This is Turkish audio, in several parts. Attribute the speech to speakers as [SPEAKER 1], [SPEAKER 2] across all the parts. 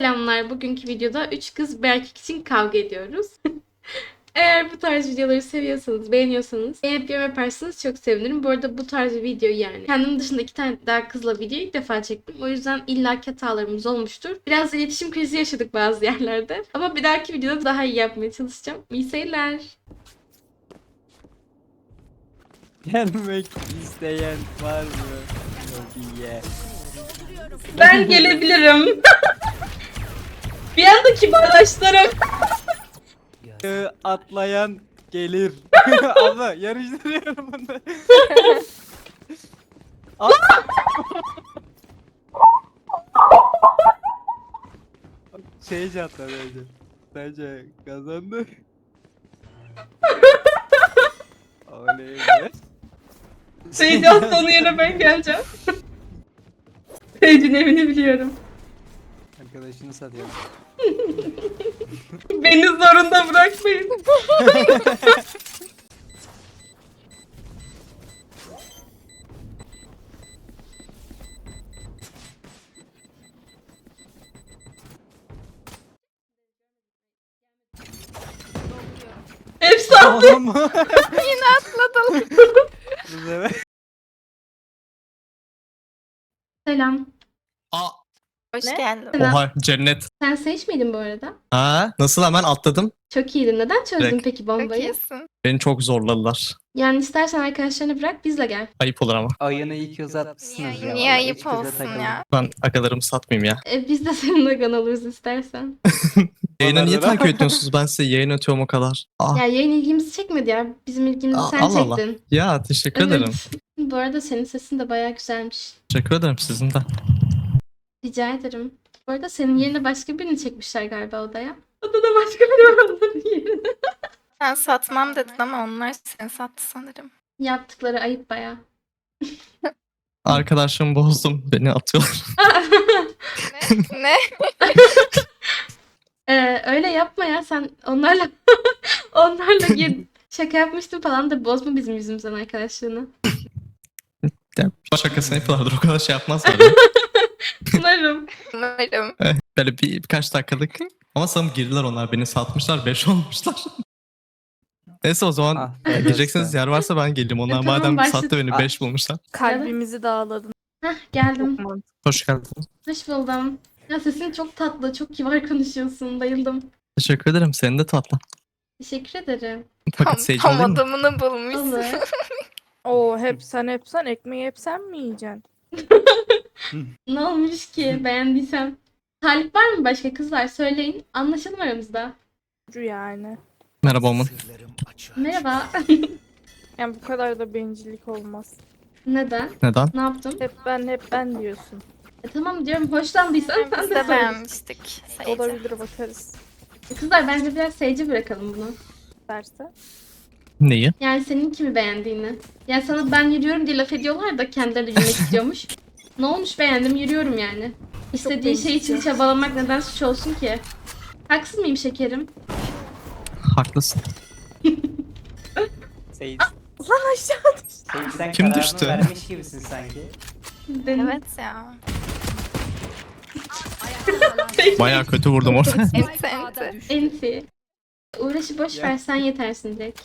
[SPEAKER 1] Selamlar. Bugünkü videoda 3 kız bir erkek için kavga ediyoruz. Eğer bu tarz videoları seviyorsanız, beğeniyorsanız beğenip yorum yaparsanız çok sevinirim. Bu arada bu tarz bir video yani. Kendim dışında 2 tane daha kızla video ilk defa çektim. O yüzden illaki hatalarımız olmuştur. Biraz iletişim krizi yaşadık bazı yerlerde. Ama bir dahaki videoda daha iyi yapmaya çalışacağım. İyi seyirler.
[SPEAKER 2] Gelmek isteyen var mı? Lobiye.
[SPEAKER 1] Ben gelebilirim. Bir anda kibarlaştırım.
[SPEAKER 2] Atlayan gelir. Abla yarıştırıyorum bunu. At. Şey atla bence. Bence kazandı. Oley be.
[SPEAKER 1] Seyircan sonu yerine ben geleceğim. Seyircinin evini biliyorum.
[SPEAKER 2] Arkadaşını satıyor.
[SPEAKER 1] Beni zorunda bırakmayın. Hepsi attı.
[SPEAKER 2] Oğlum.
[SPEAKER 3] Yine atladım.
[SPEAKER 2] Bu sefer.
[SPEAKER 1] Selam.
[SPEAKER 4] Aa,
[SPEAKER 3] Hoş
[SPEAKER 1] Ne?
[SPEAKER 3] geldin.
[SPEAKER 1] Selam.
[SPEAKER 4] oha cennet.
[SPEAKER 1] Sen Sage miydin bu arada?
[SPEAKER 4] Ha, nasıl hemen atladım?
[SPEAKER 1] Çok iyiydin. Neden çözdün
[SPEAKER 4] Direkt.
[SPEAKER 1] peki
[SPEAKER 3] Çok
[SPEAKER 1] bombayı?
[SPEAKER 3] iyisin.
[SPEAKER 4] Beni çok zorladılar.
[SPEAKER 1] Yani istersen arkadaşlarını bırak bizle gel.
[SPEAKER 4] Ayıp olur ama.
[SPEAKER 2] Ayını iyi ki uzatmışsınız ya.
[SPEAKER 3] Niye
[SPEAKER 2] Vallahi
[SPEAKER 3] ayıp
[SPEAKER 2] üç kıza
[SPEAKER 3] olsun
[SPEAKER 2] takıldım.
[SPEAKER 3] ya?
[SPEAKER 4] Ben agalarımı satmayayım ya.
[SPEAKER 1] Biz de seninle gan oluruz istersen.
[SPEAKER 4] Yayına niye
[SPEAKER 2] Onlarda da-
[SPEAKER 4] takip ediyorsunuz? Ben size yayın atıyorum o kadar.
[SPEAKER 1] Ya yayın ilgimizi çekmedi ya. Bizim ilgimizi sen
[SPEAKER 4] Allah Allah.
[SPEAKER 1] çektin.
[SPEAKER 4] Ya teşekkür ederim.
[SPEAKER 1] Bu arada senin sesin de bayağı güzelmiş.
[SPEAKER 4] Teşekkür ederim sizin de.
[SPEAKER 1] Rica ederim. Bu arada senin yerine başka birini çekmişler galiba odaya. Odada başka biri var onların yerine.
[SPEAKER 3] Sen satmam dedin ama onlar seni sattı sanırım.
[SPEAKER 1] Yaptıkları ayıp bayağı.
[SPEAKER 4] Arkadaşımı bozdum. Beni atıyorlar.
[SPEAKER 3] Ne?
[SPEAKER 1] Öyle yapma ya sen onlarla şaka yapmıştın falan da bozma bizim yüzümüzden arkadaşlığını.
[SPEAKER 4] Ya, şakasını yapıyorlardır. O kadar şey yapmazlar ya.
[SPEAKER 1] Umarım.
[SPEAKER 3] Umarım.
[SPEAKER 4] Böyle birkaç dakikalık. Ama sanırım girdiler onlar. Beni satmışlar. 5 olmuşlar. Neyse o zaman
[SPEAKER 2] Ah,
[SPEAKER 4] gireceksiniz yer varsa ben geleyim. Onlar
[SPEAKER 1] Tamam,
[SPEAKER 4] madem
[SPEAKER 1] başla.
[SPEAKER 4] sattı beni 5 bulmuşlar.
[SPEAKER 5] Kalbimizi dağladın.
[SPEAKER 1] Hah geldim.
[SPEAKER 4] Hoş geldin.
[SPEAKER 1] Hoş buldum. Ya sesin çok tatlı, çok kibar konuşuyorsun. Bayıldım.
[SPEAKER 4] Teşekkür ederim. Senin de tatlı.
[SPEAKER 1] Teşekkür ederim.
[SPEAKER 4] Fakat
[SPEAKER 3] Tam,
[SPEAKER 4] Sage
[SPEAKER 3] tam
[SPEAKER 4] alayım mı?
[SPEAKER 3] adamını bulmuşsun.
[SPEAKER 1] Olur.
[SPEAKER 5] Oo hep sen ekmeği hep sen mi yiyeceksin?
[SPEAKER 1] Ne olmuş ki beğendiysem? Talip var mı başka kızlar? Söyleyin. Anlaşalım aramızda.
[SPEAKER 5] Ucu yani.
[SPEAKER 4] Merhaba Omun.
[SPEAKER 1] Merhaba.
[SPEAKER 5] Yani bu kadar da bencillik olmaz.
[SPEAKER 1] Neden?
[SPEAKER 4] Neden?
[SPEAKER 1] Ne yaptım?
[SPEAKER 5] Hep ben diyorsun.
[SPEAKER 1] Tamam diyorum. Hoşlandıysan sen
[SPEAKER 3] Biz
[SPEAKER 1] de
[SPEAKER 3] de
[SPEAKER 1] söyle.
[SPEAKER 3] beğenmiştik. Sayıca.
[SPEAKER 5] Olabilir bakarız.
[SPEAKER 1] Kızlar bence biraz Sage'e bırakalım bunu.
[SPEAKER 5] Derse.
[SPEAKER 4] Neyi?
[SPEAKER 1] Yani senin kimi beğendiğini. Yani sana ben yürüyorum diye laf ediyorlar da kendileri de yürümek istiyormuş. Ne olmuş beğendim yürüyorum yani. İstediği şey için
[SPEAKER 5] bencilce.
[SPEAKER 1] çabalamak neden suç olsun ki? Haksız mıyım şekerim?
[SPEAKER 4] Haklısın.
[SPEAKER 2] Seyit.
[SPEAKER 5] Lan aşağı düş.
[SPEAKER 2] Seyit sen
[SPEAKER 4] Kim
[SPEAKER 2] kararını
[SPEAKER 4] düştü?
[SPEAKER 2] vermiş gibisin sanki.
[SPEAKER 1] Benim.
[SPEAKER 3] Evet ya.
[SPEAKER 4] Bayağı kötü vurdum orada.
[SPEAKER 3] Enti enti.
[SPEAKER 1] Enti. Uğraşı boş
[SPEAKER 2] Ya.
[SPEAKER 1] ver sen yetersin direkt.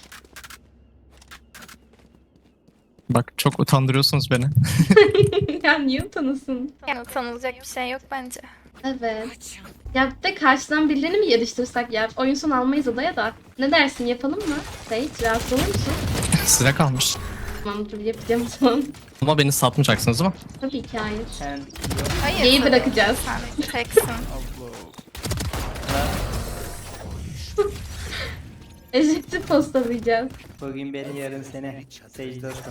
[SPEAKER 4] Bak çok utandırıyorsunuz beni.
[SPEAKER 1] Ya niye utanasın?
[SPEAKER 3] Yani utanılacak bir şey yok bence.
[SPEAKER 1] Evet. Ya bir de karşıdan birilerini mi yarıştırsak ya? Oyun son almayız odaya da. Ne dersin yapalım mı? Sage rahatsız olur musun?
[SPEAKER 4] Size kalmış.
[SPEAKER 1] Tamam dur yapacağım o zaman.
[SPEAKER 4] Ama beni satmayacaksınız değil mi?
[SPEAKER 1] Tabii ki hayır.
[SPEAKER 2] Sen yok.
[SPEAKER 3] Hayır.
[SPEAKER 1] Geyi
[SPEAKER 3] tabii.
[SPEAKER 1] bırakacağız.
[SPEAKER 3] Sen teksin.
[SPEAKER 2] Abla.
[SPEAKER 1] Ejekti postalayacağız.
[SPEAKER 2] Bugün beni yarın seni. Seyit dostum.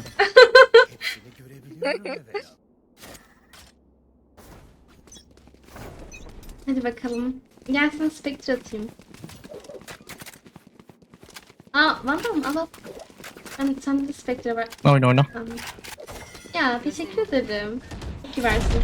[SPEAKER 1] Hadi bakalım. Gel sana Spectre atayım. Aa Vandal mı? Al al. Sende de Spectre var.
[SPEAKER 4] Oyna oyna.
[SPEAKER 1] Tamam. Ya teşekkür ederim. İyi ki versin.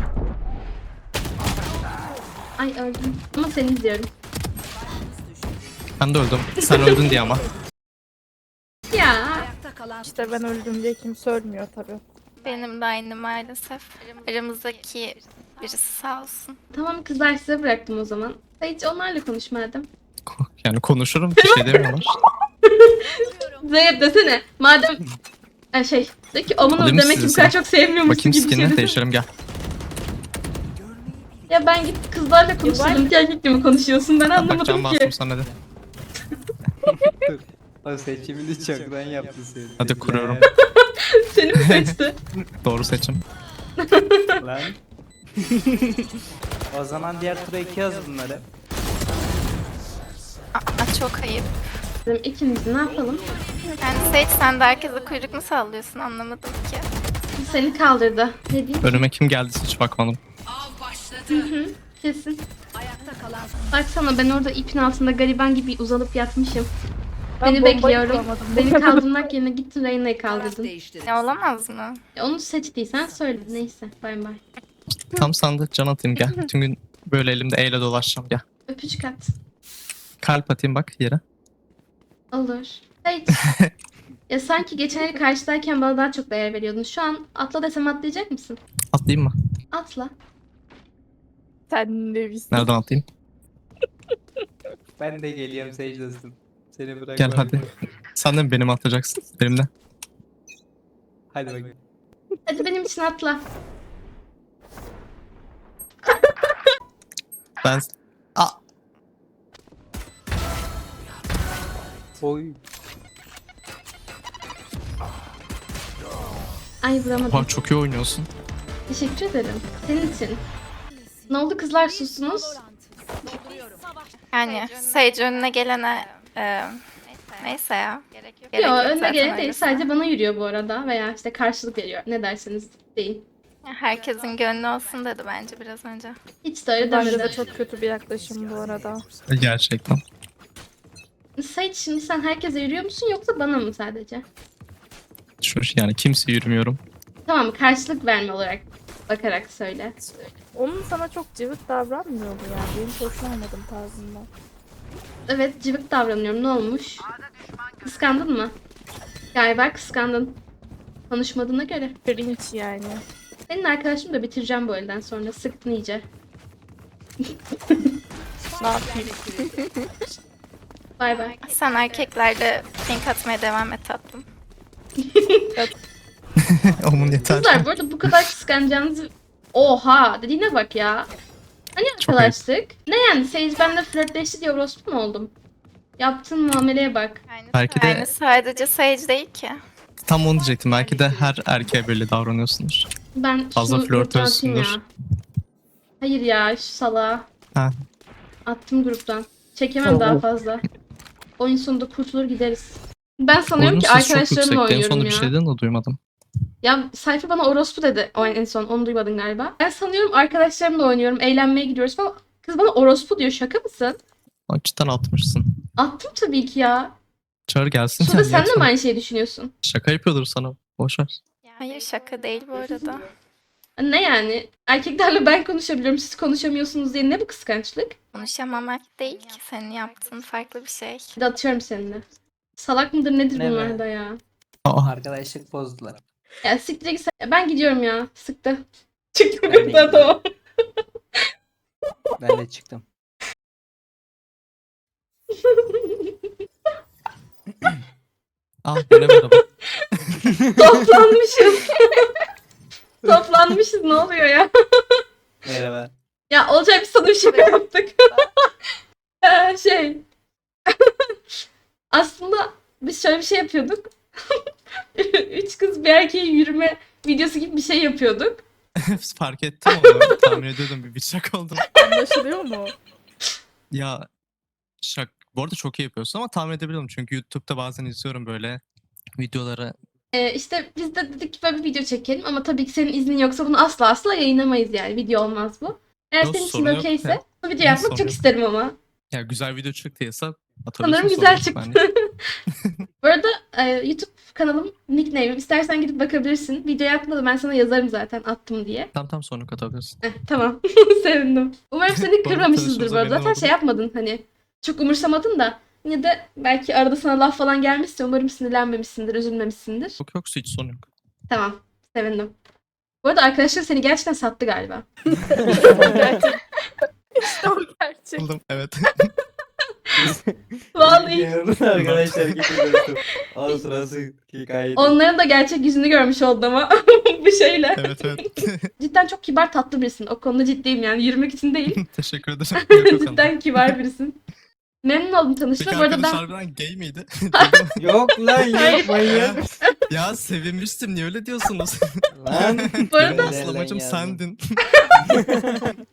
[SPEAKER 1] Ay öldüm. Ama seni izliyorum.
[SPEAKER 4] Ben de öldüm. Sen öldün diye ama.
[SPEAKER 1] Ya.
[SPEAKER 5] İşte ben öldüm diye kimse ölmüyor tabii.
[SPEAKER 3] Benim de aynı maalesef. Aramızdaki birisi sağ olsun.
[SPEAKER 1] Tamam kızlar, size bıraktım o zaman. Hiç onlarla konuş madem.
[SPEAKER 4] Yani konuşurum, bir şey demiyorlar.
[SPEAKER 1] Zeynep desene. Madem de ki Omun
[SPEAKER 4] Alayım mı
[SPEAKER 1] demek ki bu
[SPEAKER 4] sizi
[SPEAKER 1] kadar
[SPEAKER 4] sen?
[SPEAKER 1] çok sevmiyormuşsun
[SPEAKER 4] Bakayım
[SPEAKER 1] gibi bir şey
[SPEAKER 4] skin'ini
[SPEAKER 1] desene.
[SPEAKER 4] değiştirelim gel.
[SPEAKER 1] Ya ben git kızlarla konuşalım ki erkekle mi konuşuyorsun, ben
[SPEAKER 4] Bak can
[SPEAKER 1] anlamadım ki.
[SPEAKER 4] bastım sana hadi.
[SPEAKER 2] Dur. O seçimini çoktan yaptı senin.
[SPEAKER 4] Hadi kuruyorum.
[SPEAKER 1] Seni mi seçti?
[SPEAKER 4] Doğru seçim.
[SPEAKER 2] Lan. O zaman diğer tura 2 yaz bunları.
[SPEAKER 3] Aa, çok ayıp.
[SPEAKER 1] Dedim, İkimiz ne yapalım?
[SPEAKER 3] Yani Sage sen de herkese kuyruk mu sallıyorsun anlamadım ki.
[SPEAKER 1] Seni kaldırdı. Ne diyeyim?
[SPEAKER 4] Önüme kim geldiyse hiç bakmadım.
[SPEAKER 1] Kesin. Baksana ben orada ipin altında gariban gibi uzanıp yatmışım.
[SPEAKER 5] Ben
[SPEAKER 1] Beni
[SPEAKER 5] bombayı
[SPEAKER 1] bekliyorum.
[SPEAKER 5] kuramadım.
[SPEAKER 1] Beni kaldırmak yerine gittin Reyna'yı kaldırdın.
[SPEAKER 3] Ne olamaz mı?
[SPEAKER 1] Onu seçtiysen söyle. Neyse. Bay bay.
[SPEAKER 4] Tam sandık can atayım gel. Bütün gün böyle elimde E ile dolaşacağım gel.
[SPEAKER 1] Öpücük at.
[SPEAKER 4] Kalp atayım bak yere.
[SPEAKER 1] Olur. Hiç. Ya sanki geçen el karşıdayken bana daha çok değer veriyordun. Şu an atla desem atlayacak mısın?
[SPEAKER 4] Atlayayım mı?
[SPEAKER 1] Atla.
[SPEAKER 5] Sen de biz.
[SPEAKER 4] Nereden atlayayım?
[SPEAKER 2] Ben de geliyorum Sage dostum. Seni bırakmam.
[SPEAKER 4] Gel hadi. Sen de mi benim atacaksın? Benimle.
[SPEAKER 2] Hadi bakayım.
[SPEAKER 1] Hadi benim için atla.
[SPEAKER 4] Ben... Aa,
[SPEAKER 2] Oy.
[SPEAKER 1] Ay vuramadım.
[SPEAKER 4] oha, çok iyi oynuyorsun.
[SPEAKER 1] Teşekkür ederim. Senin için. Ne oldu kızlar, sustunuz?
[SPEAKER 3] Yani Sage önüne gelene neyse ya. Gerek
[SPEAKER 1] Yok, önüne
[SPEAKER 3] zaten
[SPEAKER 1] gelen değil.
[SPEAKER 3] öylesine.
[SPEAKER 1] Sadece bana yürüyor bu arada. Veya işte karşılık veriyor. Ne derseniz deyin.
[SPEAKER 3] Herkesin gönlü olsun dedi bence biraz önce.
[SPEAKER 1] Hiç de öyle
[SPEAKER 5] Bence de
[SPEAKER 1] demedi.
[SPEAKER 5] çok kötü bir yaklaşım bu arada.
[SPEAKER 4] Gerçekten.
[SPEAKER 1] Sait, şimdi sen herkese yürüyor musun yoksa bana mı sadece?
[SPEAKER 4] Yani kimse yürümüyorum.
[SPEAKER 1] Tamam, karşılık verme olarak bakarak söyle.
[SPEAKER 5] Onun sana çok cıvık davranmıyor bu yani. Benim hoşlanmadım tarzından.
[SPEAKER 1] Evet, cıvık davranıyorum. Ne olmuş? Kıskandın mı? Galiba kıskandın. Konuşmadığına göre.
[SPEAKER 5] Cringe yani.
[SPEAKER 1] Senin arkadaşımı da bitireceğim bu elden sonra. Sıktın iyice.
[SPEAKER 5] Ne yapayım?
[SPEAKER 1] Bay bay.
[SPEAKER 3] Sen erkeklerle pink atmaya devam et tatlım.
[SPEAKER 4] Onun yeter.
[SPEAKER 1] Kızlar bu arada bu kadar kıskanacağınızı... Oha! Dediğine bak ya. Hani
[SPEAKER 4] Çok
[SPEAKER 1] arkadaşlık? Ne yani? Sage benimle flörtleşti diye orospu mu oldum? Yaptığın muameleye bak.
[SPEAKER 4] Belki de-
[SPEAKER 3] Yani sadece Sage değil ki.
[SPEAKER 4] Tam onu diyecektim. Belki de her erkeğe böyle davranıyorsunuz.
[SPEAKER 1] Ben
[SPEAKER 4] Fazla
[SPEAKER 1] şunu gruptan atayım ya.
[SPEAKER 4] flörtözsündür.
[SPEAKER 1] Hayır ya, şu salağa.
[SPEAKER 4] Ha.
[SPEAKER 1] Attım gruptan. Çekemem daha fazla. Oyun sonunda kurtulur gideriz. Ben sanıyorum
[SPEAKER 4] Oyunun
[SPEAKER 1] ki
[SPEAKER 4] sesi çok
[SPEAKER 1] arkadaşlarımla
[SPEAKER 4] yüksekti. En
[SPEAKER 1] oynuyorum
[SPEAKER 4] sonunda
[SPEAKER 1] ya.
[SPEAKER 4] bir şey dedin de duymadım.
[SPEAKER 1] Ya Sayfa bana orospu dedi o en son. Onu duymadın galiba. Ben sanıyorum arkadaşlarımla oynuyorum. Eğlenmeye gidiyoruz falan. Kız bana orospu diyor. Şaka mısın?
[SPEAKER 4] Aa, cidden atmışsın.
[SPEAKER 1] Attım tabii ki ya.
[SPEAKER 4] Çağır gelsin.
[SPEAKER 1] Şurada
[SPEAKER 4] yani
[SPEAKER 1] sen de mi
[SPEAKER 4] yapsana.
[SPEAKER 1] aynı şeyi düşünüyorsun?
[SPEAKER 4] Şaka yapıyordur sana. Boşver.
[SPEAKER 3] Hayır şaka değil bu arada.
[SPEAKER 1] Ne yani? Erkeklerle ben konuşabiliyorum, siz konuşamıyorsunuz diye ne bu kıskançlık?
[SPEAKER 3] Konuşamamak değil ki senin yaptığın farklı bir şey.
[SPEAKER 1] Bir de atıyorum seninle. Salak mıdır nedir
[SPEAKER 2] Ne be?
[SPEAKER 1] bunlar da ya?
[SPEAKER 4] Aa,
[SPEAKER 2] Arkadaşlık bozdular.
[SPEAKER 1] Ya siktir git sen. Ya ben gidiyorum ya. Sıktı. Çıktım
[SPEAKER 2] Ben de
[SPEAKER 1] buradan, tamam.
[SPEAKER 2] Ben de çıktım.
[SPEAKER 4] yine merhaba.
[SPEAKER 1] Toplanmışız. Toplanmışız, ne oluyor ya?
[SPEAKER 2] Merhaba.
[SPEAKER 1] Ya olacak, bir sana bir şaka yaptık. Şey. Aslında biz şöyle bir şey yapıyorduk. Üç kız bir erkeğe yürüme videosu gibi bir şey yapıyorduk.
[SPEAKER 4] Fark ettim onu. Tahmin ediyordum bir şaka oldu.
[SPEAKER 5] Anlaşılıyor mu?
[SPEAKER 4] Ya bu arada çok iyi yapıyorsun ama tahmin edebiliyorum. Çünkü YouTube'da bazen izliyorum böyle videoları.
[SPEAKER 1] İşte biz de dedik ki böyle bir video çekelim ama tabii ki senin iznin yoksa bunu asla asla yayınlamayız yani. Video olmaz bu. Eğer
[SPEAKER 4] Yok,
[SPEAKER 1] senin için
[SPEAKER 4] sorun
[SPEAKER 1] de
[SPEAKER 4] yok
[SPEAKER 1] okeyse
[SPEAKER 4] ya.
[SPEAKER 1] bu video yapmak
[SPEAKER 4] Sorun
[SPEAKER 1] çok
[SPEAKER 4] yok.
[SPEAKER 1] isterim ama.
[SPEAKER 4] Ya güzel video çıktıysa atabilirsin.
[SPEAKER 1] Sanırım güzel
[SPEAKER 4] sorun yok
[SPEAKER 1] çıktı.
[SPEAKER 4] bence.
[SPEAKER 1] Bu arada YouTube kanalım nickname'im. İstersen gidip bakabilirsin. Videoya atmadım, ben sana yazarım zaten attım diye.
[SPEAKER 4] Tam sonra atabilirsin.
[SPEAKER 1] Tamam. Sevindim. Umarım seni
[SPEAKER 4] Bu arada
[SPEAKER 1] kırmamışızdır bu
[SPEAKER 4] tanıştığımıza
[SPEAKER 1] arada.
[SPEAKER 4] memnun
[SPEAKER 1] Zaten
[SPEAKER 4] oldum.
[SPEAKER 1] şey yapmadın hani. Çok umursamadın da. Yine de belki arada sana laf falan gelmişse umarım sinirlenmemişsindir, üzülmemişsindir.
[SPEAKER 4] Yok hiç sorun yok.
[SPEAKER 1] Tamam. Sevindim. Bu arada arkadaşlar seni gerçekten sattı galiba.
[SPEAKER 5] İşte o gerçek.
[SPEAKER 4] Buldum, evet.
[SPEAKER 1] Vallahi.
[SPEAKER 2] Yanımda arkadaşlar gidiyorsun. O sırası hikaye.
[SPEAKER 1] Onların da gerçek yüzünü görmüş oldum ama bu şeyle.
[SPEAKER 4] Evet evet.
[SPEAKER 1] Cidden çok kibar tatlı birisin. O konuda ciddiyim yani. Yürümek için değil.
[SPEAKER 4] Teşekkür ederim. Yok, yok,
[SPEAKER 1] Cidden kibar birisin. Memnun oldum
[SPEAKER 4] Peki
[SPEAKER 1] tanıştığıma. Bu arada
[SPEAKER 4] arkadaş
[SPEAKER 1] ben
[SPEAKER 4] harbiden gay miydi?
[SPEAKER 2] Yok lan
[SPEAKER 1] Hayır.
[SPEAKER 2] yok manyak.
[SPEAKER 4] Ya sevinmiştim, niye öyle diyorsunuz?
[SPEAKER 2] Lan.
[SPEAKER 1] Bu arada-
[SPEAKER 4] Benim asıl amacım
[SPEAKER 2] Nereden
[SPEAKER 4] sendin.